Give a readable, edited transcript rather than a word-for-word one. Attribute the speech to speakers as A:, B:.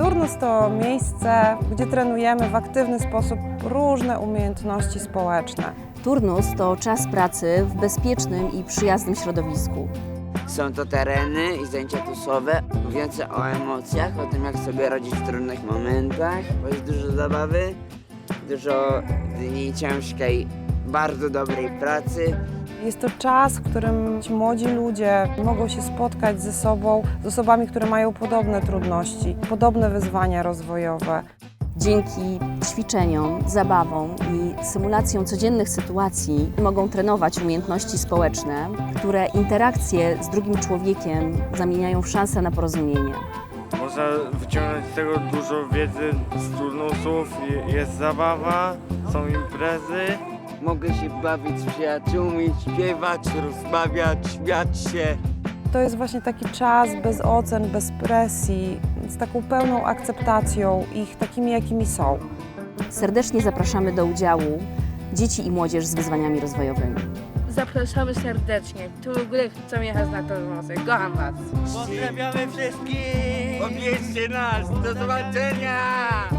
A: Turnus to miejsce, gdzie trenujemy w aktywny sposób różne umiejętności społeczne.
B: Turnus to czas pracy w bezpiecznym i przyjaznym środowisku.
C: Są to tereny i zajęcia tusowe, mówiące o emocjach, o tym jak sobie radzić w trudnych momentach, bo jest dużo zabawy, dużo dni ciężkiej, bardzo dobrej pracy.
A: Jest to czas, w którym ci młodzi ludzie mogą się spotkać ze sobą, z osobami, które mają podobne trudności, podobne wyzwania rozwojowe.
B: Dzięki ćwiczeniom, zabawom i symulacjom codziennych sytuacji mogą trenować umiejętności społeczne, które interakcje z drugim człowiekiem zamieniają w szansę na porozumienie.
D: Można wyciągnąć z tego dużo wiedzy z turnusów, jest zabawa, są imprezy.
C: Mogę się bawić z przyjaciółmi, śpiewać, rozmawiać, śmiać się.
A: To jest właśnie taki czas bez ocen, bez presji, z taką pełną akceptacją ich takimi, jakimi są.
B: Serdecznie zapraszamy do udziału dzieci i młodzież z wyzwaniami rozwojowymi.
E: Zapraszamy serdecznie. Tu w ogóle chcę jechać na Turnusy. Kocham Was.
C: Pozdrawiamy wszystkich! Odwiedźcie nas! Do zobaczenia!